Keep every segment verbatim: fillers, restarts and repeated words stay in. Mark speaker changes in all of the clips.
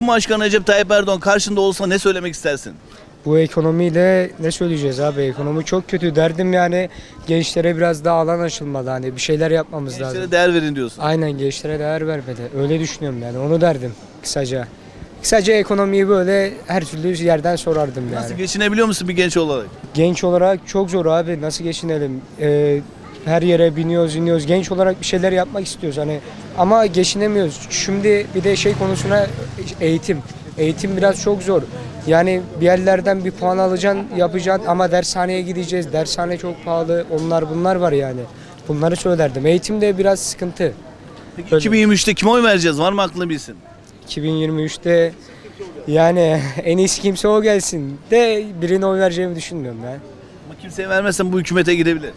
Speaker 1: Cumhurbaşkanı Recep Tayyip Erdoğan karşında olsa ne söylemek istersin?
Speaker 2: Bu ekonomiyle ne söyleyeceğiz abi? Ekonomi çok kötü. Derdim yani gençlere biraz daha alan açılmalı. Hani bir şeyler yapmamız
Speaker 1: Gençlere
Speaker 2: lazım.
Speaker 1: değer verin diyorsun.
Speaker 2: Aynen, gençlere değer vermeli. Öyle düşünüyorum yani. Onu derdim kısaca. Kısaca ekonomiyi böyle her türlü yerden sorardım yani.
Speaker 1: Nasıl geçinebiliyor musun bir genç olarak?
Speaker 2: Genç olarak çok zor abi. Nasıl geçinelim? Ee, her yere biniyoruz, iniyoruz. Genç olarak bir şeyler yapmak istiyoruz hani, ama geçinemiyoruz. Şimdi bir de şey konusuna, eğitim. Eğitim biraz çok zor. Yani bir yerlerden bir puan alacaksın, yapacaksın ama dershaneye gideceğiz. Dershane çok pahalı. Onlar bunlar var yani. Bunları söylerdim. Eğitim de biraz sıkıntı.
Speaker 1: Peki
Speaker 2: Öyle.
Speaker 1: iki bin yirmi üçte kime oy vereceğiz? Var mı aklında bir isim?
Speaker 2: iki bin yirmi üçte yani en iyisi kimse o gelsin de birine oy vereceğimi düşünmüyorum ben.
Speaker 1: Ama kimseye vermezsen bu hükümete gidebilir.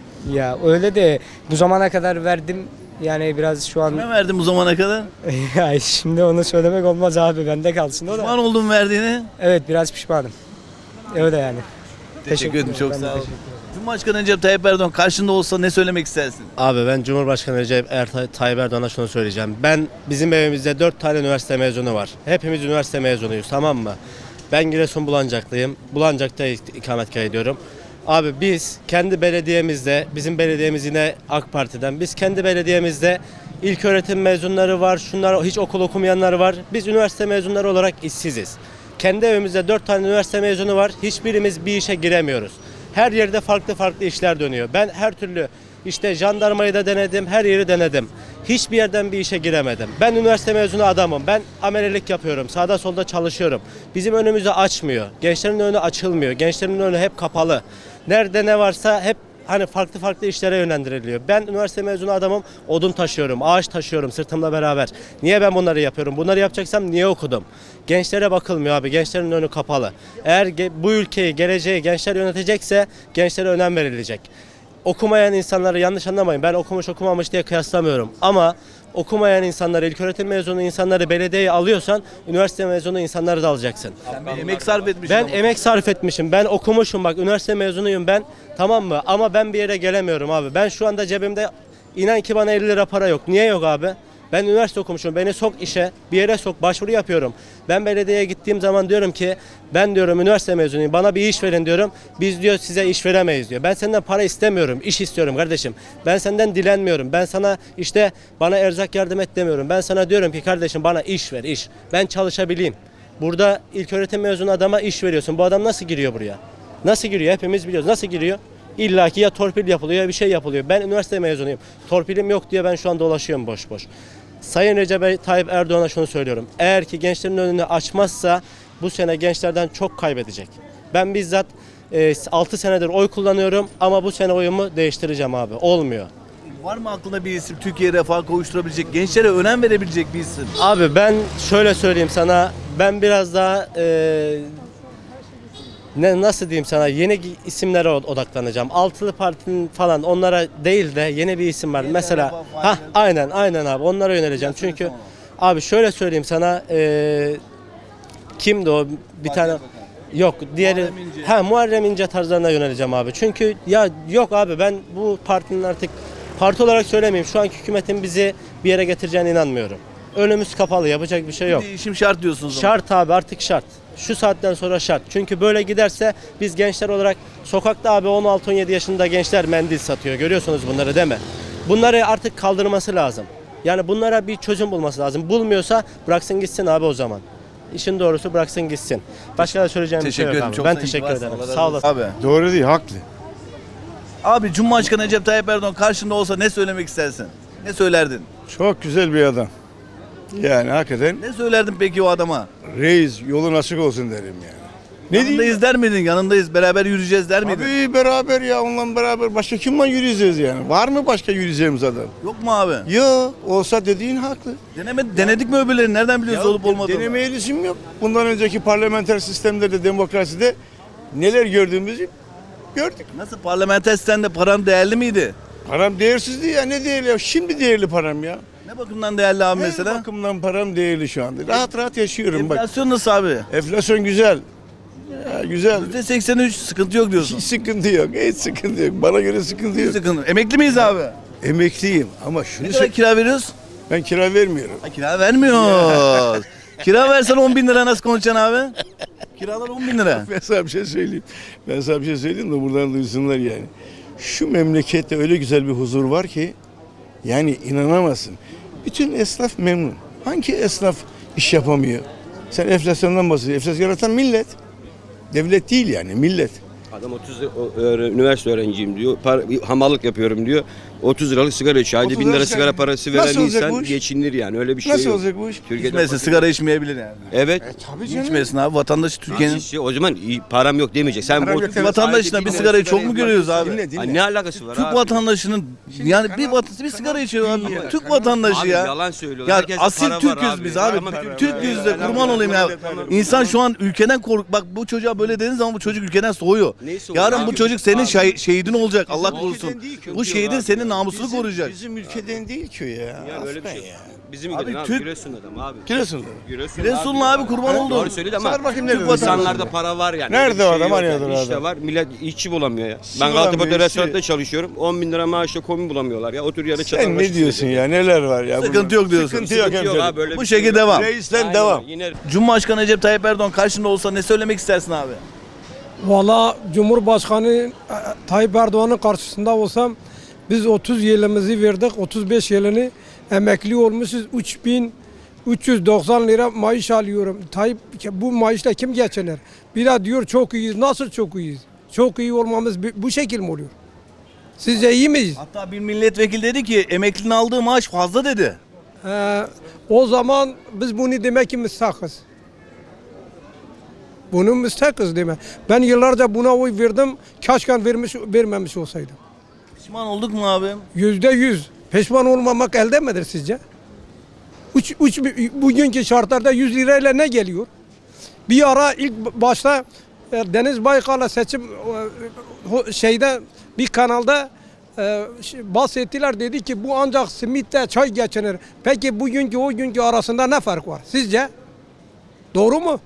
Speaker 2: Ya öyle de bu zamana kadar verdim yani, biraz şu an
Speaker 1: Kime verdin bu zamana kadar?
Speaker 2: ya şimdi onu söylemek olmaz abi, bende kalsın o da.
Speaker 1: Pişman oldun verdiğini.
Speaker 2: Evet, biraz pişmanım. Öyle yani.
Speaker 1: Teşekkür ederim, çok
Speaker 2: Ben de
Speaker 1: sağ ol.
Speaker 2: teşekkür ederim.
Speaker 1: Cumhurbaşkanı Recep Tayyip Erdoğan karşında olsa ne söylemek istersin?
Speaker 3: Abi ben Cumhurbaşkanı Recep Er- Tayyip Erdoğan'a şunu söyleyeceğim. Ben bizim evimizde dört tane üniversite mezunu var. Hepimiz üniversite mezunuyuz, tamam mı? Ben Giresun Bulancak'lıyım. Bulancak'ta ik- ikametgah ediyorum. Abi biz kendi belediyemizde, bizim belediyemiz yine AK Parti'den. Biz kendi belediyemizde ilköğretim mezunları var, şunlar hiç okul okumayanlar var. Biz üniversite mezunları olarak işsiziz. Kendi evimizde dört tane üniversite mezunu var. Hiçbirimiz bir işe giremiyoruz. Her yerde farklı farklı işler dönüyor. Ben her türlü işte jandarmayı da denedim, her yeri denedim. Hiçbir yerden bir işe giremedim. Ben üniversite mezunu adamım. Ben amelelik yapıyorum. Sağda solda çalışıyorum. Bizim önümüzü açmıyor. Gençlerin önü açılmıyor. Gençlerin önü hep kapalı. Nerede ne varsa hep hani farklı farklı işlere yönlendiriliyor. Ben üniversite mezunu adamım. Odun taşıyorum, ağaç taşıyorum sırtımla beraber. Niye ben bunları yapıyorum? Bunları yapacaksam niye okudum? Gençlere bakılmıyor abi. Gençlerin önü kapalı. Eğer ge- bu ülkeyi, geleceği gençler yönetecekse gençlere önem verilecek. Okumayan insanları yanlış anlamayın. Ben okumuş okumamış diye kıyaslamıyorum. Ama okumayan insanları, ilköğretim mezunu insanları belediyeye alıyorsan üniversite mezunu insanları da alacaksın.
Speaker 1: Sen bir emek sarf etmişsin
Speaker 3: Ben
Speaker 1: ama.
Speaker 3: emek sarf etmişim. Ben okumuşum, bak üniversite mezunuyum ben. Tamam mı? Ama ben bir yere gelemiyorum abi. Ben şu anda cebimde inan ki bana elli lira para yok. Niye yok abi? Ben üniversite okumuşum. Beni sok işe, bir yere sok, başvuru yapıyorum. Ben belediyeye gittiğim zaman diyorum ki ben diyorum üniversite mezunuyum. Bana bir iş verin diyorum. Biz diyor size iş veremeyiz diyor. Ben senden para istemiyorum. İş istiyorum kardeşim. Ben senden dilenmiyorum. Ben sana işte bana erzak yardım et demiyorum. Ben sana diyorum ki kardeşim bana iş ver, iş. Ben çalışabileyim. Burada ilköğretim mezunu adama iş veriyorsun. Bu adam nasıl giriyor buraya? Nasıl giriyor? Hepimiz biliyoruz. Nasıl giriyor? İlla ki ya torpil yapılıyor ya bir şey yapılıyor. Ben üniversite mezunuyum. Torpilim yok diye ben şu an dolaşıyorum boş boş. Sayın Recep Tayyip Erdoğan'a şunu söylüyorum. Eğer ki gençlerin önünü açmazsa bu sene gençlerden çok kaybedecek. Ben bizzat e, altı senedir oy kullanıyorum ama bu sene oyumu değiştireceğim abi. Olmuyor.
Speaker 1: Var mı aklında bir isim Türkiye refaha kavuşturabilecek, gençlere önem verebilecek bir isim?
Speaker 3: Abi ben şöyle söyleyeyim sana. Ben biraz daha e, ne nasıl diyeyim sana, yeni isimlere odaklanacağım. Altılı Parti'nin falan onlara değil de yeni bir isim var. Mesela ha aynen aynen abi onlara yöneleceğim. Çünkü abi şöyle söyleyeyim sana, e, kimdi o bir tane yok diğeri
Speaker 1: Muharrem İnce.
Speaker 3: ha Muharrem İnce tarzlarına yöneleceğim abi. Çünkü ya yok abi, ben bu partinin artık parti olarak söylemeyeyim, şu anki hükümetin bizi bir yere getireceğine inanmıyorum. Önümüz kapalı, yapacak bir şey yok.
Speaker 1: Değişim şart diyorsunuz o zaman.
Speaker 3: Şart abi, artık şart. Şu saatten sonra şart. Çünkü böyle giderse biz gençler olarak sokakta abi on altı on yedi yaşında gençler mendil satıyor. Görüyorsunuz bunları değil mi? Bunları artık kaldırması lazım. Yani bunlara bir çözüm bulması lazım. Bulmuyorsa bıraksın gitsin abi o zaman. İşin doğrusu bıraksın gitsin. Başka da söyleyeceğim bir şey
Speaker 1: Teşekkür
Speaker 3: yok
Speaker 1: ederim.
Speaker 3: abi.
Speaker 1: Çok
Speaker 3: Ben
Speaker 1: sağ-
Speaker 3: teşekkür
Speaker 1: varsın,
Speaker 3: ederim.
Speaker 1: Allah razı
Speaker 3: Sağ
Speaker 1: olsun.
Speaker 3: olasın.
Speaker 1: Abi.
Speaker 4: Doğru değil, haklı.
Speaker 1: Abi Cumhurbaşkanı Recep Tayyip Erdoğan karşında olsa ne söylemek istersin? Ne söylerdin?
Speaker 4: Çok güzel bir adam. Yani hakikaten
Speaker 1: Ne söylerdin peki o adama?
Speaker 4: reis yolun açık olsun derim yani. Ne
Speaker 1: Yanındayız
Speaker 4: diyeyim?
Speaker 1: der miydin? Yanındayız, beraber yürüyeceğiz der miydin?
Speaker 4: Abi beraber ya, onunla beraber başka kimle yürüyeceğiz yani? Var mı başka yürüyeceğimiz adam?
Speaker 1: Yok mu abi?
Speaker 4: Yok, olsa dediğin haklı.
Speaker 1: Deneme, denedik mi öbürlerini? Nereden biliyoruz
Speaker 4: Ya,
Speaker 1: olup olmadığını?
Speaker 4: Denemeye lüzum yok. Bundan önceki parlamenter sistemlerde, demokraside neler gördüğümüzü gördük.
Speaker 1: Nasıl, parlamenter sistemde paran değerli miydi?
Speaker 4: Param değersizdi ya, ne değerli ya? Şimdi değerli param ya.
Speaker 1: Ne bakımdan değerli abi
Speaker 4: Her
Speaker 1: mesela?
Speaker 4: bakımdan param değerli şu anda. Rahat rahat yaşıyorum bak.
Speaker 1: Enflasyon nasıl abi?
Speaker 4: Enflasyon güzel. Ya, güzel.
Speaker 1: yüzde seksen üç sıkıntı yok diyorsun.
Speaker 4: Hiç sıkıntı yok. Hiç sıkıntı yok. Bana göre sıkıntı
Speaker 1: Hiç
Speaker 4: yok.
Speaker 1: sıkıntı. Emekli miyiz abi?
Speaker 4: Emekliyim ama şunu
Speaker 1: Ne kadar
Speaker 4: sö-
Speaker 1: kira veriyoruz?
Speaker 4: ben kira vermiyorum.
Speaker 1: Ha, kira vermiyoruz. Kira versen on bin lira nasıl konuşacaksın abi? Kiralar on bin lira.
Speaker 4: Ben sana bir şey söyleyeyim. Ben sana bir şey söyleyeyim de buradan duysunlar yani. Şu memlekette öyle güzel bir huzur var ki yani inanamazsın. Bütün esnaf memnun. Hangi esnaf iş yapamıyor? Sen enflasyondan bahsediyorsun. Enflasyon yaratan millet. Devlet değil yani millet.
Speaker 5: Adam otuz lira- o- öğre- üniversite öğrenciyim diyor. Par, bir hamallık yapıyorum diyor. otuz liralık sigara içiyor. Ayda
Speaker 4: otuz
Speaker 5: bin lira
Speaker 4: lira
Speaker 5: sigara
Speaker 4: sigara-
Speaker 5: parası veren
Speaker 4: Nasıl olacak
Speaker 5: insan
Speaker 4: bu iş?
Speaker 5: geçinir yani. Öyle bir şey
Speaker 4: Nasıl
Speaker 5: yok.
Speaker 4: olacak bu iş?
Speaker 5: Türkiye'de
Speaker 1: İçmesi
Speaker 5: fakir-
Speaker 1: sigara içmeyebilir yani.
Speaker 5: Evet.
Speaker 4: Tabii canım.
Speaker 1: İçmesin abi vatandaş Türkiye'nin.
Speaker 5: Kişi, o zaman iyi, param yok demeyecek. Sen
Speaker 4: Param
Speaker 5: bu
Speaker 4: yok
Speaker 5: otuz
Speaker 4: demez.
Speaker 1: Vatandaşına
Speaker 5: ayda
Speaker 1: bir
Speaker 5: bin
Speaker 1: sigarayı
Speaker 5: lira
Speaker 1: çok mu
Speaker 5: sigara
Speaker 1: görüyoruz
Speaker 5: içmek-
Speaker 1: abi?
Speaker 4: Dinle, dinle.
Speaker 5: Ay, ne alakası var
Speaker 1: Türk
Speaker 5: abi?
Speaker 1: vatandaşının yani bir
Speaker 4: kanal-
Speaker 1: vatası bir sigara içiyor abi.
Speaker 4: Dünya,
Speaker 1: Türk
Speaker 4: kanal-
Speaker 1: vatandaşı
Speaker 5: Abi
Speaker 1: ya.
Speaker 5: yalan söylüyor.
Speaker 1: Ya
Speaker 5: Herkeste
Speaker 1: asil
Speaker 5: para var
Speaker 1: Türk'üz
Speaker 5: abi.
Speaker 1: biz abi.
Speaker 5: Ama
Speaker 1: Türk-
Speaker 5: Türk-
Speaker 1: Türk'üz de
Speaker 5: Helal
Speaker 1: kurban
Speaker 5: olsun.
Speaker 1: olayım ya.
Speaker 5: Tamam.
Speaker 1: İnsan şu an ülkeden kork. Bak bu çocuğa böyle dediğin zaman bu çocuk ülkeden soğuyor.
Speaker 5: Neyi soğuyor
Speaker 1: Yarın
Speaker 5: abi?
Speaker 1: bu çocuk senin
Speaker 5: Abi.
Speaker 1: şah- şehidin olacak. Allah
Speaker 4: Bizim
Speaker 1: korusun.
Speaker 4: ülkeden değil ki.
Speaker 1: Bu şehidin
Speaker 5: abi
Speaker 1: senin
Speaker 5: ya.
Speaker 1: namusunu
Speaker 4: Bizim-
Speaker 1: koruyacak.
Speaker 4: Bizim ülkeden değil ki o ya.
Speaker 5: Yani öyle bir
Speaker 4: Aslen
Speaker 5: şey.
Speaker 4: ya.
Speaker 5: Bizim
Speaker 1: Abi
Speaker 5: ülkeden abi.
Speaker 1: Türk-
Speaker 5: Giresun adam abi.
Speaker 4: Giresun'da.
Speaker 5: Giresun
Speaker 1: Giresunlu abi kurban oldum.
Speaker 5: Doğru söyledi ama
Speaker 4: Sor bakayım
Speaker 5: Türk
Speaker 4: nerede?
Speaker 5: insanlarda para var yani.
Speaker 4: Nerede
Speaker 5: Öyle bir
Speaker 4: o
Speaker 5: şey
Speaker 4: adam?
Speaker 5: yok
Speaker 4: Hani
Speaker 5: yani.
Speaker 4: adam?
Speaker 5: İşte var. Millet işçi bulamıyor ya. Ben
Speaker 4: bulamıyor,
Speaker 5: Gazipaşa
Speaker 4: işçi.
Speaker 5: restoranda çalışıyorum. on bin lira maaşla komi bulamıyorlar ya. Otur yere çatal
Speaker 4: Sen
Speaker 5: başı
Speaker 4: ne diyorsun
Speaker 5: söylüyor.
Speaker 4: ya? Neler var ya?
Speaker 1: Sıkıntı
Speaker 4: bunun?
Speaker 1: yok diyorsun.
Speaker 4: Sıkıntı yok
Speaker 5: Sıkıntı yok
Speaker 4: hemşerim.
Speaker 5: abi, böyle
Speaker 1: Bu
Speaker 5: bir şey
Speaker 1: şekilde
Speaker 5: yok.
Speaker 1: devam.
Speaker 4: Reisler
Speaker 5: Aynen,
Speaker 4: devam.
Speaker 5: Yine
Speaker 1: Cumhurbaşkanı Recep Tayyip Erdoğan karşında olsa ne söylemek istersin abi?
Speaker 6: Valla Cumhurbaşkanı e, Tayyip Erdoğan'ın karşısında olsam biz otuz yılımızı verdik. otuz beş yılını emekli olmuşuz. üç bin üç yüz doksan lira maaş alıyorum. Tayyip bu maaşla kim geçinir? Bir de diyor çok iyiyiz. Nasıl çok iyiyiz? Çok iyi olmamız bu- bu şekil mi oluyor? Sizce iyi miyiz?
Speaker 1: Hatta bir milletvekili dedi ki emeklinin aldığı maaş fazla dedi.
Speaker 6: Ee, o zaman biz bunu demek ki müstakız. Bunu müstakız demek. Ben yıllarca buna oy verdim. Keşke vermiş, vermemiş olsaydım.
Speaker 1: Pişman olduk mu abi?
Speaker 6: Yüzde yüz. Pişman olmamak elde midir sizce? Üç, üç, bugünkü şartlarda yüz lirayla ne geliyor? Bir ara ilk başta e, Deniz Baykal'a seçim e, ho- şeyde bir kanalda e, şey, bahsettiler, dedi ki bu ancak simitle çay geçinir. Peki bugünkü o günkü arasında ne fark var sizce? Doğru mu?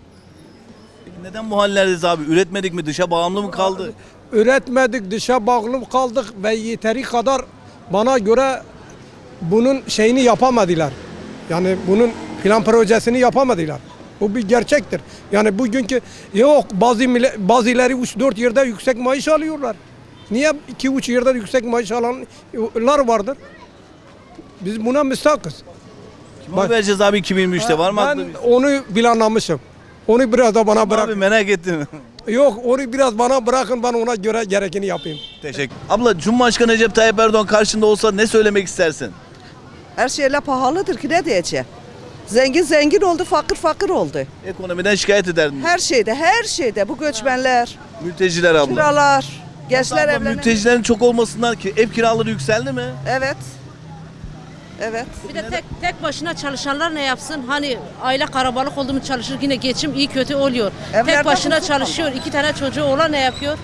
Speaker 1: Peki neden bu hallerdeyiz abi? Üretmedik mi? Dışa bağımlı mı kaldı?
Speaker 6: Üretmedik, dışa bağlı kaldık ve yeteri kadar bana göre bunun şeyini yapamadılar. Yani bunun plan projesini yapamadılar. Bu bir gerçektir. Yani bugünkü yok bazı mille- bazıları üç dört yerde yüksek maaş alıyorlar. Niye iki üç yerde yüksek maaş alanlar vardır? Biz buna müstakız.
Speaker 1: Kime oy vereceğiz abi iki bin yirmi üçte var mı
Speaker 6: Ben
Speaker 1: aklında?
Speaker 6: onu planlamışım. Onu biraz da bana
Speaker 1: Abi
Speaker 6: bırak.
Speaker 1: merak ettim.
Speaker 6: Yok, onu biraz bana bırakın, ben ona göre gerekeni yapayım.
Speaker 1: Teşekkür. Abla Cumhurbaşkanı Recep Tayyip Erdoğan karşında olsa ne söylemek istersin?
Speaker 7: Her şeyle pahalıdır ki ne diyeceğim. Zengin zengin oldu, fakir fakir oldu.
Speaker 1: Ekonomiden şikayet ederdin.
Speaker 7: Her şeyde, her şeyde. Bu göçmenler,
Speaker 1: Mülteciler abla.
Speaker 7: kiralar, gençler
Speaker 1: Abla,
Speaker 7: evlenemiyor.
Speaker 1: mültecilerin çok olmasından ki ev kiraları yükseldi mi?
Speaker 7: Evet. Evet.
Speaker 8: Bir de tek tek başına çalışanlar ne yapsın? Hani aile karabalık oldu mu çalışır, yine geçim iyi kötü oluyor.
Speaker 7: Evlerde
Speaker 8: tek başına
Speaker 7: huzur
Speaker 8: çalışıyor. iki tane çocuğu olan ne yapıyor?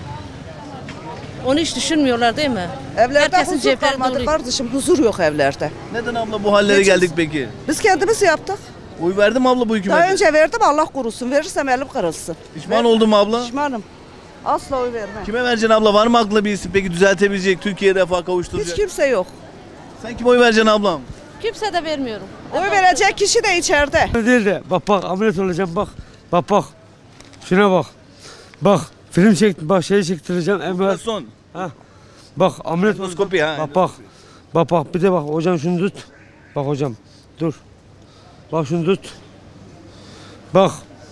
Speaker 8: Onu hiç düşünmüyorlar değil mi?
Speaker 7: Evlerde
Speaker 8: Herkesin
Speaker 7: huzur
Speaker 8: cepleri
Speaker 7: kalmadı
Speaker 8: dolu.
Speaker 7: kardeşim. Huzur yok evlerde.
Speaker 1: Neden abla bu hallere
Speaker 7: Geçim-
Speaker 1: geldik peki?
Speaker 7: Biz kendimiz yaptık.
Speaker 1: Oy verdi mi abla bu hükümete?
Speaker 7: Daha önce verdim, Allah korusun. Verirsem elim kırılsın.
Speaker 1: Pişman oldun mu abla?
Speaker 7: Pişmanım. Asla oy vermem.
Speaker 1: Kime vereceksin abla? Var mı aklında bir isim peki düzeltebilecek, Türkiye'ye refah kavuşturacak?
Speaker 7: Hiç kimse yok.
Speaker 1: Sen kime oy vereceksin ablam?
Speaker 8: Kimse de vermiyorum.
Speaker 7: Oy verecek kişi de içeride.
Speaker 9: Değil de bak bak ameliyat olacağım bak. Bak bak. Şuna bak. Bak film çek bak şey çektireceğim emniyet.
Speaker 1: Son.
Speaker 9: Bak ameliyat
Speaker 1: Endoskopi ha.
Speaker 9: Bak bak. Bak bak bir de bak hocam şunu tut. Bak hocam dur. Bak şunu tut. Bak.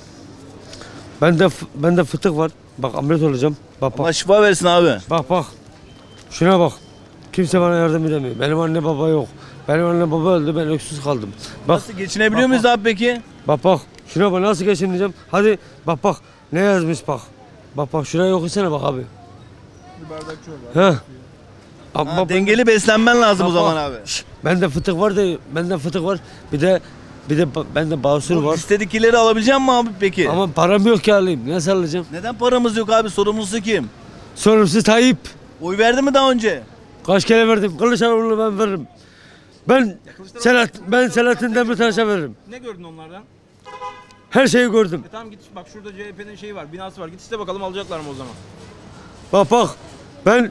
Speaker 9: Bende f- bende fıtık var. Bak ameliyat olacağım. Bak
Speaker 1: Allah
Speaker 9: bak.
Speaker 1: şifa versin abi.
Speaker 9: Bak bak. Şuna bak. Kimse bana yardım edemiyor. Benim anne baba yok. Benim anne baba öldü, ben öksüz kaldım. Bak.
Speaker 1: Nasıl geçinebiliyor
Speaker 9: Bak,
Speaker 1: muyuz abi peki?
Speaker 9: Bak bak. Şuna bak nasıl geçineceğim. Hadi bak bak. Ne yazmış bak. Bak bak şuraya okusana bak abi. Bir bardak çorba. He. Abi,
Speaker 1: Ha,
Speaker 9: bak,
Speaker 1: dengeli beslenmen lazım o
Speaker 9: bak,
Speaker 1: zaman
Speaker 9: bak.
Speaker 1: abi.
Speaker 9: Şş, bende fıtık var da bende fıtık var. Bir de bir de ba- bende basur var.
Speaker 1: İstedikleri alabilecek mi abi peki?
Speaker 9: Ama param yok ki alayım. Nasıl alacağım?
Speaker 1: Neden paramız yok abi? Sorumlusu kim?
Speaker 9: Sorumsuz Tayyip.
Speaker 1: Oy verdi mi daha önce?
Speaker 9: Kaç kere verdim. Kılıçdaroğlu'na ben veririm. Ben Selat ben Selahattin Demirtaş'a veririm.
Speaker 10: Ne gördün onlardan?
Speaker 9: Her şeyi gördüm.
Speaker 10: E tamam git bak şurada C H P'nin şeyi var, binası var. Git iste bakalım alacaklar mı o zaman?
Speaker 9: Bak bak. Ben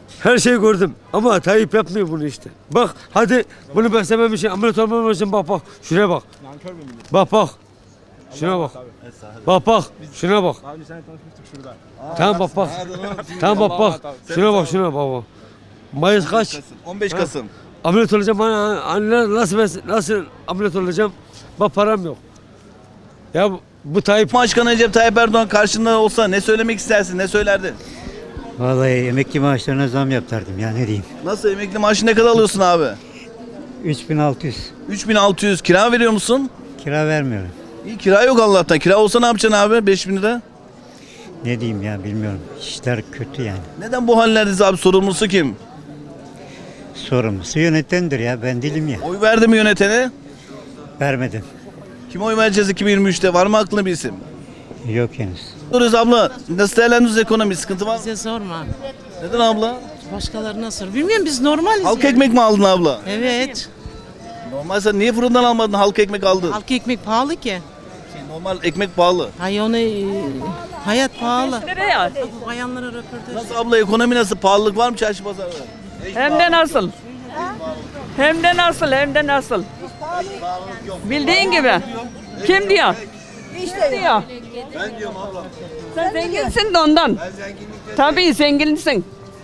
Speaker 9: Her şeyi gördüm ama Tayyip yapmıyor bunu işte. Bak hadi bunu beslemem için, ameliyat olmam için bak bak. Şuraya bak. Bak bak. Şuna bak. Bak bak. Şuna bak. Tamam bak bak. Tamam bak bak. Şuna bak şuna bak bak. Mayıs kaç?
Speaker 1: on beş Kasım.
Speaker 9: Ameliyat olacağım. Bana anne nasıl bes- nasıl ameliyat olacağım? Bak param yok. Ya bu, bu Tayyip
Speaker 1: Cumhurbaşkanı Recep Tayyip Erdoğan karşında olsa ne söylemek istersin? Ne söylerdin?
Speaker 10: Vallahi emekli maaşlarına zam yaptırdım ya ne diyeyim.
Speaker 1: Nasıl, emekli maaşı ne kadar alıyorsun abi?
Speaker 10: üç bin altı yüz.
Speaker 1: üç bin altı yüz. Kira veriyor musun?
Speaker 10: Kira vermiyorum.
Speaker 1: İyi, kira yok Allah'tan. Kira olsa ne yapacaksın abi? beş bin lira.
Speaker 10: Ne diyeyim ya bilmiyorum. İşler kötü yani.
Speaker 1: Neden bu hallerdeyiz abi? Sorumlusu kim?
Speaker 10: Sorumlusu yönetendir ya ben değilim ya.
Speaker 1: Oy verdi mi yönetene?
Speaker 10: Vermedim.
Speaker 1: Kime oy vereceğiz iki bin yirmi üçte? Var mı aklına bir isim?
Speaker 10: Yok henüz.
Speaker 1: Soruyoruz abla. Nasıl değerlendiriyoruz ekonomi? Sıkıntı var mı?
Speaker 8: Bize sorma.
Speaker 1: Neden abla?
Speaker 8: Başkalarına sor. Bilmiyorum, biz normaliz.
Speaker 1: Halk
Speaker 8: ya.
Speaker 1: ekmek mi aldın abla?
Speaker 8: Evet.
Speaker 1: Normal, sen niye fırından almadın, halk ekmek aldın?
Speaker 8: Halk ekmek pahalı ki.
Speaker 1: Normal ekmek pahalı.
Speaker 8: Hay onu e, hayat pahalı.
Speaker 11: Nereye?
Speaker 8: Bu bayanlara röportaj.
Speaker 1: Nasıl abla, ekonomi nasıl? Pahalılık var mı çarşı pazarda?
Speaker 11: Hem de nasıl? Hem de nasıl? Hem de nasıl? Bildiğin gibi. Kim diyor? İşte diyor.
Speaker 1: Ben diyorum abla.
Speaker 11: Sen zenginsin de ondan. Tabii zenginsin.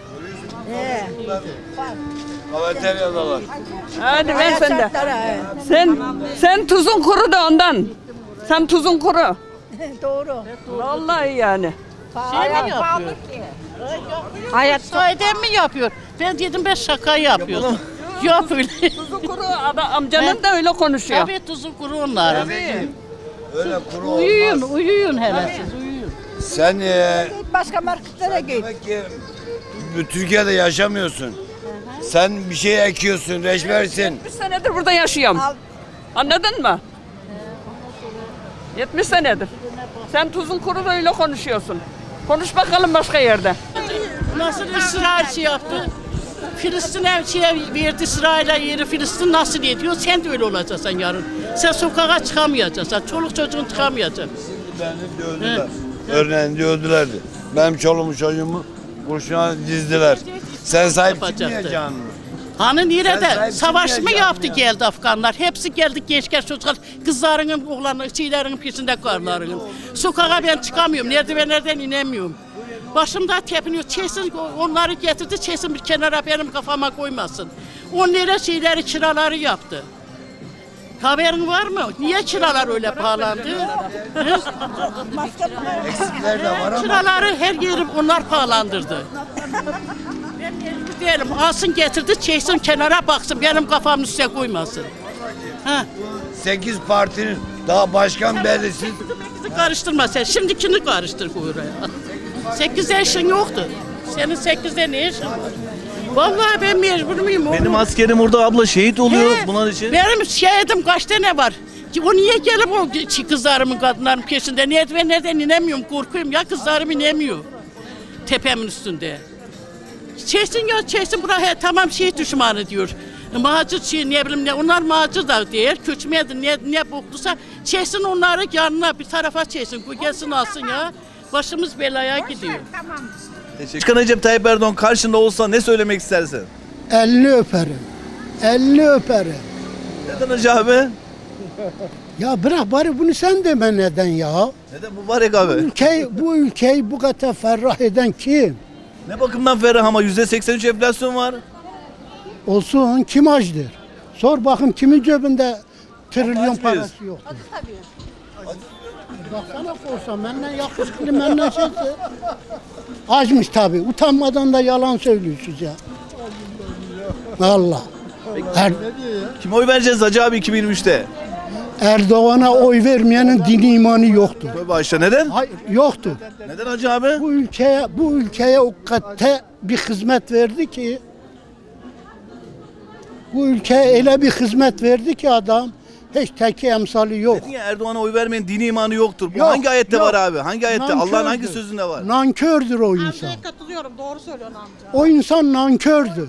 Speaker 1: Kafeteryadalar.
Speaker 11: Hadi ver sen de. Sen sen tuzun kuru da ondan. Sen tuzun kuru.
Speaker 7: Doğru.
Speaker 11: Vallahi yani.
Speaker 8: Şey mi yapıyor? Hayat sahiden mi yapıyor? Ben dedim ben şaka yapıyorum. Yok öyle.
Speaker 11: Tuzun kuru ada- amcanın da öyle konuşuyor.
Speaker 8: Tabii tuzu kuru onlar.
Speaker 1: Öyle kuru
Speaker 8: Uyuyun, uyuyun hele siz uyuyun.
Speaker 12: Sen e,
Speaker 7: Başka marketlere git.
Speaker 12: demek ki bu Türkiye'de yaşamıyorsun. Sen bir şey ekiyorsun, reçbersin.
Speaker 11: yetmiş senedir burada yaşıyorum. Anladın mı? yetmiş senedir. Sen tuzun kuru da öyle konuşuyorsun. Konuş bakalım başka yerde.
Speaker 8: Nasıl İsrail şey yaptı? Filistin'e şey verdi, İsrail'e yeri Filistin nasıl ediyor? Sen de öyle olacaksın yarın. Sen sokağa çıkamayacaksın. Çoluk çocuğun çıkamayacak.
Speaker 12: Beni dövdüler. Örneğin dövdülerdi. Benim çoluğumu çocuğumu kurşuna dizdiler. Sen sahip
Speaker 8: Yapacaktı.
Speaker 12: çıkmayacaksın mı?
Speaker 8: Hani
Speaker 12: Sen
Speaker 8: nerede?
Speaker 12: sahip
Speaker 8: Savaş mı
Speaker 12: çıkmayacaksın
Speaker 8: yaptı
Speaker 12: ya.
Speaker 8: geldi Afganlar? Hepsi geldi gençler çocuklar. Kızlarının, oğlanların, şeylerin peşinde karlarının. Sokağa ben çıkamıyorum. Merdivenlerden inemiyorum. Başımda tepiniyor. Çesin onları getirdi. Çesin bir kenara benim kafama koymasın. Onlara şeyleri, kiraları yaptı. Haberin var mı? Niye kiralar öyle pahalandı? Hı?
Speaker 12: Eksikler de var ama
Speaker 8: Kiraları her yeri onlar pahalandırdı. Ben mecbur değilim. Alsın getirdi, çeksin kenara baksın. Benim kafamın üstüne koymasın. Ha.
Speaker 12: sekiz partinin daha başkan belirsiz.
Speaker 8: Bizi karıştırma sen. Şimdikini karıştır oraya. Sekizde işin yoktu. Senin sekizde ne işin var? Vallahi ben mecbur muyum?
Speaker 1: Benim
Speaker 8: oğlum?
Speaker 1: askerim orada abla, şehit oluyor
Speaker 8: He,
Speaker 1: bunlar için.
Speaker 8: Benim şehidim kaç tane var? Ki o niye gelip o çi- kızlarımın, kadınların peşinde? Nereden nereden inemiyorum, korkuyorum ya, kızlarım inemiyor. Tepemin üstünde. Çeksin ya, çeksin buraya, tamam şey düşmanı diyor. Macir şey ne bileyim ne, onlar macir da değil, köçmeydi ne, ne bokluysa çeksin onları yanına bir tarafa çeksin, bu gelsin alsın ya. Başımız belaya gidiyor.
Speaker 1: Başkan Recep Tayyip Erdoğan karşında olsa ne söylemek istersin?
Speaker 6: Elini öperim. Elini öperim.
Speaker 1: Neden hacı abi?
Speaker 6: Ya bırak bari bunu sen deme neden ya?
Speaker 1: Neden mübarek abi?
Speaker 6: Ülkeyi, bu ülkeyi bu kadar ferrah eden kim?
Speaker 1: Ne bakımdan ferah ama yüzde seksen üç enflasyon var.
Speaker 6: Olsun kim açdır? Sor bakın kimin cebinde trilyon
Speaker 1: Aç mıyız?
Speaker 6: parası yok. Baksana korsan benden yakışıklı benden şeyse. Açmış tabii. Utanmadan da yalan söylüyorsunuz ya. Allah. Er,
Speaker 1: Kime oy vereceğiz hacı abi iki bin yirmi üçte?
Speaker 6: Erdoğan'a oy vermeyenin dini imanı yoktur.
Speaker 1: Tövbe aşağı, neden?
Speaker 6: Hayır, yoktur.
Speaker 1: Neden hacı abi?
Speaker 6: Bu ülkeye bu ülkeye o kadar bir hizmet verdi ki bu ülkeye öyle bir hizmet verdi ki adam hiç teki emsali yok.
Speaker 1: Niye Erdoğan'a oy vermeyin, dini imanı yoktur? Bu
Speaker 6: Yok,
Speaker 1: hangi ayette
Speaker 6: yok.
Speaker 1: var abi? Hangi ayette? Allah'ın hangi
Speaker 6: Nankördür.
Speaker 1: sözünde var?
Speaker 6: Nankördür o insan.
Speaker 8: Katılıyorum, doğru söylüyorsun amca.
Speaker 6: O insan nankördür.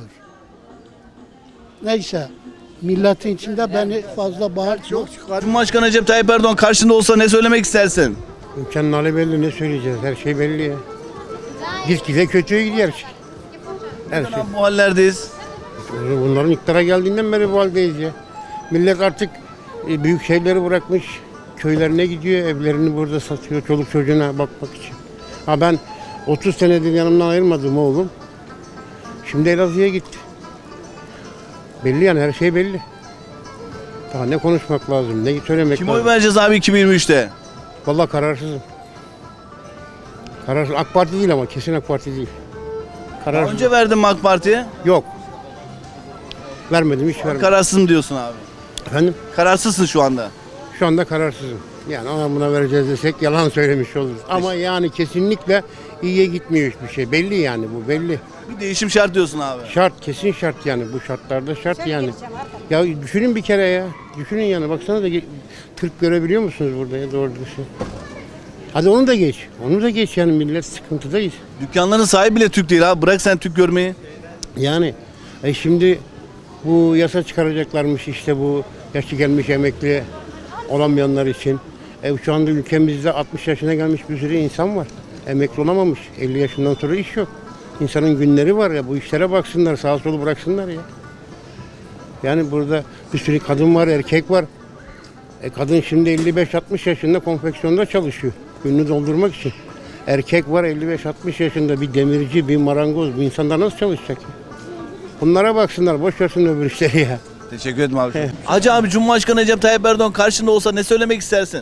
Speaker 6: Neyse. Milletin içinde beni fazla bağırtma.
Speaker 1: Cumhurbaşkanı Recep Tayyip Erdoğan karşında olsa ne söylemek istersin?
Speaker 10: Ülkenin hali belli ne söyleyeceğiz her şey belli ya. Gitgide kötüye gidiyor her şey.
Speaker 9: Her
Speaker 1: Neden
Speaker 9: şey.
Speaker 1: abi bu hallerdeyiz?
Speaker 9: Bunların iktidara geldiğinden beri bu haldeyiz ya. Millet artık e, büyük şeyleri bırakmış. Köylerine gidiyor, evlerini burada satıyor çoluk çocuğuna bakmak için. Ha ben otuz senedir yanımdan ayırmadım oğlum. Şimdi Elazığ'a gitti. Belli yani, her şey belli. Daha ne konuşmak lazım, ne söylemek
Speaker 1: Kim
Speaker 9: lazım.
Speaker 1: oy vereceğiz abi iki bin yirmi üçte?
Speaker 9: Vallahi kararsızım. Kararsız. AK Parti değil ama kesin AK Parti değil.
Speaker 1: Daha
Speaker 9: Kararsız.
Speaker 1: önce verdin mi AK Parti'ye?
Speaker 9: Yok. Vermedim, hiç vermedim.
Speaker 1: Kararsızım diyorsun abi.
Speaker 9: Efendim?
Speaker 1: Kararsızsın şu anda.
Speaker 9: Şu anda kararsızım. Yani ona buna vereceğiz desek yalan söylemiş oluruz. Ama yani kesinlikle iyiye gitmiyor hiçbir şey. Belli yani, bu belli.
Speaker 1: Bir değişim şart diyorsun abi.
Speaker 9: Şart, kesin şart yani. Bu şartlarda şart yani. Ya düşünün bir kere ya. Düşünün yani. Baksana da ge- Türk görebiliyor musunuz burada ya, doğru düzgün? Hadi onu da geç. Onu da geç yani, millet sıkıntıdayız.
Speaker 1: Dükkanların sahibi bile Türk değil abi. Bırak sen Türk görmeyi.
Speaker 9: Yani e şimdi bu yasa çıkaracaklarmış işte, bu yaşı gelmiş emekli olamayanlar için. E şu anda ülkemizde altmış yaşına gelmiş bir sürü insan var. Emekli olamamış. elli yaşından sonra iş yok. İnsanın günleri var ya, bu işlere baksınlar, sağa solu bıraksınlar ya. Yani burada bir sürü kadın var, erkek var. E kadın şimdi elli beş altmış yaşında konfeksiyonda çalışıyor. Gününü doldurmak için. Erkek var elli beş altmış yaşında, bir demirci, bir marangoz. Bu insanlar nasıl çalışacak ya? Bunlara baksınlar, boş versin öbür işleri ya.
Speaker 1: Teşekkür ederim abi. Hacı abi, Cumhurbaşkanı Recep Tayyip Erdoğan karşında olsa ne söylemek istersin?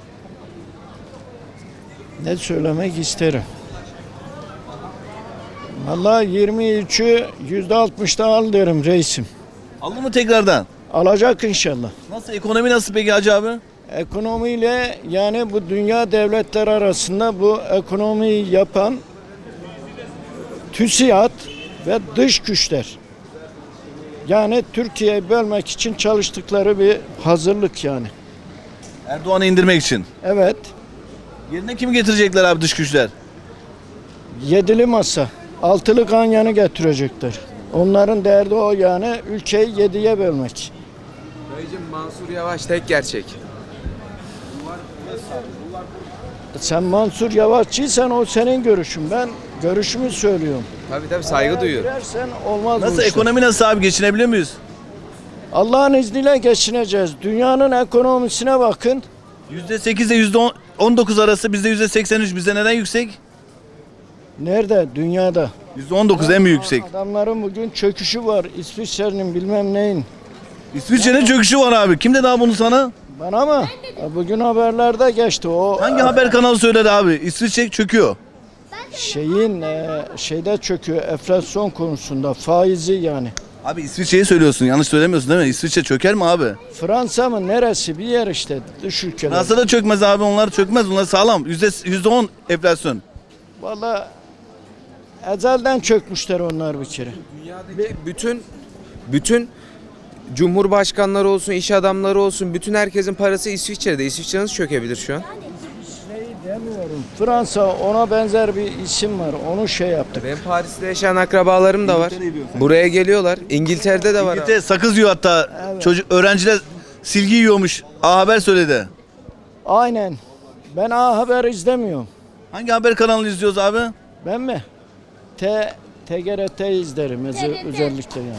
Speaker 13: Ne söylemek isterim? Vallahi yirmi üçü yüzde altmışta al derim reisim.
Speaker 1: Aldı mı tekrardan?
Speaker 13: Alacak inşallah.
Speaker 1: Nasıl, ekonomi nasıl peki Hacı abi?
Speaker 13: Ekonomiyle, yani bu dünya devletleri arasında bu ekonomiyi yapan TÜSİAD ve dış güçler. Yani Türkiye'yi bölmek için çalıştıkları bir hazırlık yani.
Speaker 1: Erdoğan'ı indirmek için.
Speaker 13: Evet,
Speaker 1: Yerine kim getirecekler abi dış güçler?
Speaker 13: yedili masa, altılı ganyanı getirecekler. Onların derdi o yani, ülkeyi yediye bölmek.
Speaker 14: Dayıcım, Mansur Yavaş tek gerçek.
Speaker 13: Sen Mansur Yavaşçıysan o senin görüşün. Ben görüşümü söylüyorum.
Speaker 14: Tabii tabii, saygı duyuyorum.
Speaker 13: Girersen olmaz bu
Speaker 1: Nasıl,
Speaker 13: işler.
Speaker 1: ekonomi nasıl abi, geçinebiliyor muyuz?
Speaker 13: Allah'ın izniyle geçineceğiz. Dünyanın ekonomisine bakın.
Speaker 1: yüzde sekiz ile yüzde on dokuz arası, bizde yüzde seksen üç. Bizde neden yüksek?
Speaker 13: Nerede? Dünyada.
Speaker 1: yüzde on dokuz en büyük yüksek.
Speaker 13: Adamların bugün çöküşü var. İsviçre'nin bilmem neyin.
Speaker 1: İsviçre'nin çöküşü var abi. Kim dedi abi bunu sana?
Speaker 13: Bana mı? Bugün haberlerde geçti. O
Speaker 1: Hangi haber kanalı söyledi abi? İsviçre çöküyor.
Speaker 13: şeyin e, şeyde çöküyor, enflasyon konusunda, faizi yani.
Speaker 1: Abi İsviçre'yi söylüyorsun, yanlış söylemiyorsun değil mi? İsviçre çöker mi abi?
Speaker 13: Fransa mı, neresi, bir yer işte, dış ülkeler.
Speaker 1: Nasıl da çökmez abi, onlar çökmez, onlar sağlam. Yüzde yüzde on enflasyon.
Speaker 13: Vallahi ezelden çökmüşler onlar bir kere.
Speaker 14: Dünyadaki bütün bütün cumhurbaşkanları olsun, iş adamları olsun, bütün herkesin parası İsviçre'de. İsviçre nasıl çökebilir şu an?
Speaker 13: Demiyorum. Fransa, ona benzer bir isim var. Onu şey yaptık.
Speaker 14: Benim Paris'te yaşayan akrabalarım da var. Buraya geliyorlar. İngiltere'de de var.
Speaker 1: İngiltere sakız yiyor hatta.
Speaker 13: Evet.
Speaker 1: Çocuk, öğrenciler silgi yiyormuş. A Haber söyledi.
Speaker 13: Aynen. Ben A Haber izlemiyorum.
Speaker 1: Hangi haber kanalını izliyoruz abi?
Speaker 13: Ben mi? T T G R T izlerim öze- özellikle yani.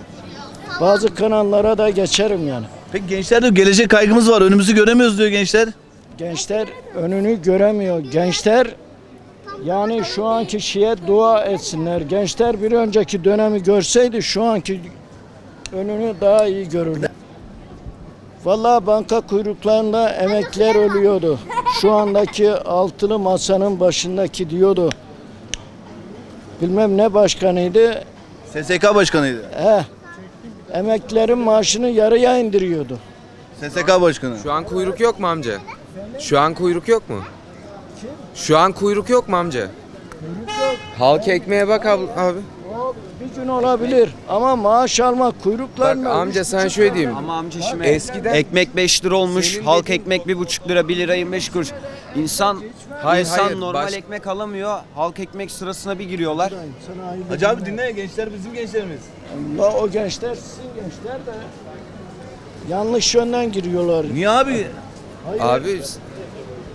Speaker 13: Bazı kanallara da geçerim yani.
Speaker 1: Peki gençler diyor, gelecek kaygımız var, önümüzü göremiyoruz diyor gençler.
Speaker 13: Gençler önünü göremiyor. Gençler yani şu anki şeye dua etsinler. Gençler bir önceki dönemi görseydi şu anki önünü daha iyi görürler. Vallahi banka kuyruklarında emekliler ölüyordu. Şu andaki altılı masanın başındaki diyordu. Bilmem ne başkanıydı.
Speaker 1: S S K başkanıydı.
Speaker 13: Eh, emeklilerin maaşını yarıya indiriyordu.
Speaker 1: S S K başkanı.
Speaker 14: Şu an kuyruk yok mu amca? Şu an kuyruk yok mu? Şu an kuyruk yok mu amca? Halk ekmeğe bak abi. abi.
Speaker 13: O bir gün olabilir ama maaş almak kuyruklar
Speaker 14: Bak
Speaker 13: mı?
Speaker 14: amca, sana şöyle diyeyim.
Speaker 15: Ama amca şimdi
Speaker 14: Eskiden-
Speaker 15: ekmek beş lira olmuş,
Speaker 14: Senin
Speaker 15: halk
Speaker 14: dediğin-
Speaker 15: ekmek bir buçuk lira, bir lira yirmi beş kuruş. İnsan,
Speaker 14: Hayır,
Speaker 15: insan
Speaker 14: hayır,
Speaker 15: normal
Speaker 14: baş-
Speaker 15: ekmek alamıyor, halk ekmek sırasına bir giriyorlar.
Speaker 1: Hacı abi dinle, gençler bizim gençlerimiz.
Speaker 13: Allah, o gençler sizin gençler de yanlış yönden giriyorlar.
Speaker 1: Niye abi?
Speaker 13: Hayır,
Speaker 14: Abi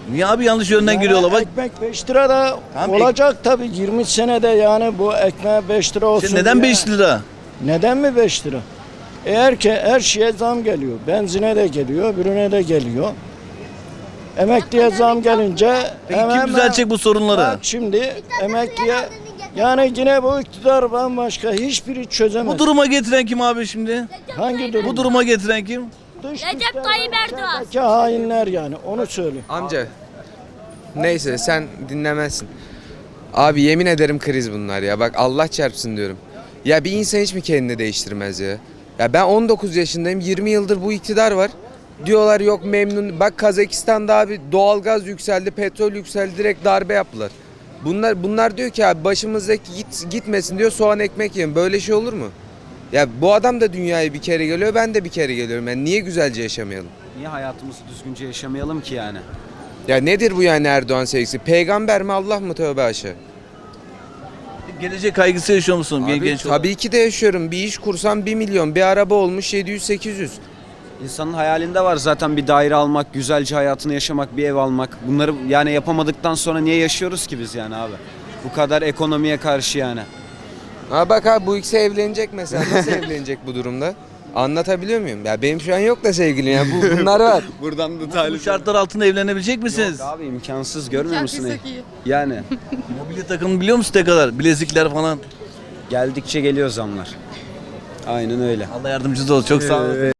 Speaker 1: Niye abi yanlış yönden
Speaker 13: Yani
Speaker 1: giriyorlar bak.
Speaker 13: Ekmek beş lira da
Speaker 1: Tamam,
Speaker 13: olacak tabii yirmi senede yani bu ekmeğe beş lira olsun.
Speaker 1: İşte neden
Speaker 13: diye.
Speaker 1: beş lira?
Speaker 13: Neden mi beş lira? Eğer ki her şeye zam geliyor. Benzine de geliyor, ürüne de geliyor. Emekliye zam gelince
Speaker 1: Peki kim düzelecek bu sorunları?
Speaker 13: Bak şimdi emekliye yani yine bu iktidar bambaşka hiçbiri çözemez.
Speaker 1: Bu duruma getiren kim abi şimdi?
Speaker 13: Hangi durum?
Speaker 1: Bu duruma getiren kim?
Speaker 13: Recep Tayyip Erdoğan. hainler yani onu söyle.
Speaker 14: Amca. Neyse sen dinlemezsin. Abi yemin ederim kriz bunlar ya. Bak Allah çarpsın diyorum. Ya bir insan hiç mi kendini değiştirmez ya? Ya ben on dokuz yaşındayım. yirmi yıldır bu iktidar var. Diyorlar yok memnun. Bak Kazakistan'da abi doğalgaz yükseldi, petrol yükseldi, direkt darbe yaptılar. Bunlar bunlar diyor ki abi başımızdaki git, gitmesin diyor, soğan ekmek yiyin. Böyle şey olur mu? Ya bu adam da dünyaya bir kere geliyor, ben de bir kere geliyorum. Yani niye güzelce yaşamayalım?
Speaker 15: Niye hayatımızı düzgünce yaşamayalım ki yani?
Speaker 14: Ya nedir bu yani Erdoğan sevgisi? Peygamber mi, Allah mı, tövbe aşağı?
Speaker 1: Gelecek kaygısı yaşıyor musun
Speaker 14: Abi,
Speaker 1: genç olarak?
Speaker 14: tabii ki de yaşıyorum. Bir iş kursam bir milyon, bir araba olmuş yedi yüz sekiz yüz.
Speaker 15: İnsanın hayalinde var zaten bir daire almak, güzelce hayatını yaşamak, bir ev almak. Bunları yani yapamadıktan sonra niye yaşıyoruz ki biz yani abi? Bu kadar ekonomiye karşı yani.
Speaker 14: Ha bak abi bu ikisi evlenecek mesela. Nasıl evlenecek bu durumda? Anlatabiliyor muyum? Ya benim şu an yok da sevgilim ya. Bu, bunlar var.
Speaker 15: Buradan da
Speaker 1: Bu
Speaker 15: talip.
Speaker 1: şartlar altında evlenebilecek misiniz?
Speaker 15: Yok abi imkansız görmüyor musun? Yani
Speaker 1: Mobilya takımını biliyor musun ne kadar? Bilezikler falan.
Speaker 15: geldikçe geliyor zamlar. Aynen öyle.
Speaker 1: Allah yardımcınız olsun. Çok sağ olun.